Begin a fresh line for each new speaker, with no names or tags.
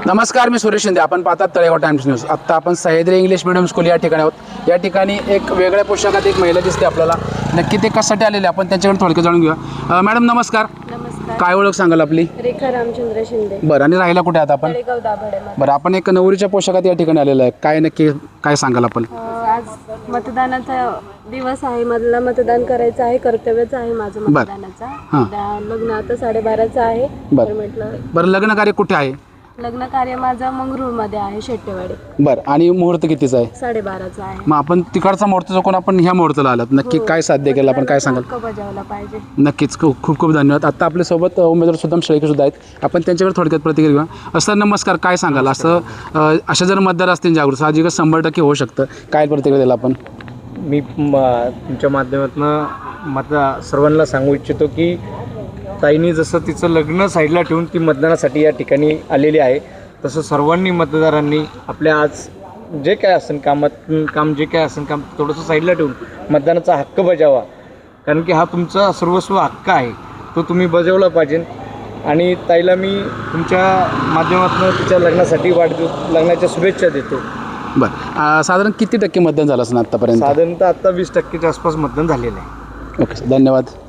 नमस्कार, मी सुरेश शिंदे. आपण पाहतात तळेगाव टाइम्स न्यूज. आत्ता आपण सह्याद्री इंग्लिश मिडियम स्कूल या ठिकाणी आहोत. या ठिकाणी एक वेगळ्या पोशाखात एक महिला दिसते आपल्याला. नक्की ते कशासाठी आलेले आपण त्यांच्याकडे थोडक्यात जाणून घेऊया. मॅडम नमस्कार.
नमस्कार.
काय ओळख सांगाल आपली?
रेखा रामचंद्र शिंदे.
बरं, आणि राहायला कुठे आहात आपण?
तळेगाव दाभाडे.
बरं, आपण एक नवरीच्या पोशाखात या ठिकाणी आलेलं आहे. काय नक्की काय सांगाल आपण?
आज मतदानाचा दिवस आहे. मला मतदान करायचं आहे, कर्तव्यच आहे माझं मतदानाचा. लग्न आता 12:30चं आहे. तर म्हटलं
बरं, लग्न कार्य कुठे आहे?
लग्न कार्य माझं मंगरूळमध्ये आहे, शेट्टेवाडी.
बरं, आणि मुहूर्त कितीचा आहे?
12:30चं आहे.
मग आपण तिकडचा मुहूर्त चुकून आपण ह्या मुहूर्ताला आलात. नक्की काय साध्य केलं आपण, काय सांगाल?
हक्क बजावला पाहिजे.
नक्कीच, खूप खूप धन्यवाद. आता आपल्यासोबत उमेदवार सुद्धा शेळके सुद्धा आहेत. आपण त्यांच्याकडे थोडक्यात प्रतिक्रिया घेऊया. सर नमस्कार. काय सांगाल? अशा जर मतदार असतील जागृत, साहजिकच 100% होऊ शकतं. काय प्रतिक्रिया द्याल आपण?
मी तुमच्या माध्यमातून सर्वांना सांगू इच्छितो की ताईंनी जसं तिचं लग्न साईडला ठेवून ती मतदानासाठी या ठिकाणी आलेली आहे, तसं सर्वांनी मतदारांनी आपल्या आज जे काय असेल काम जे काय असेल काम थोडंसं साईडला ठेवून मतदानाचा हक्क बजावा. कारण की हा तुमचा सर्वस्व हक्क आहे, तो तुम्ही बजावला पाहिजे. आणि ताईला मी तुमच्या माध्यमातून तिच्या लग्नासाठी लग्नाच्या शुभेच्छा देतो.
बरं, साधारण किती टक्के मतदान झालं असं आत्तापर्यंत?
साधारणतः आत्ता 20%च्या आसपास मतदान झालेलं आहे.
ओके, धन्यवाद.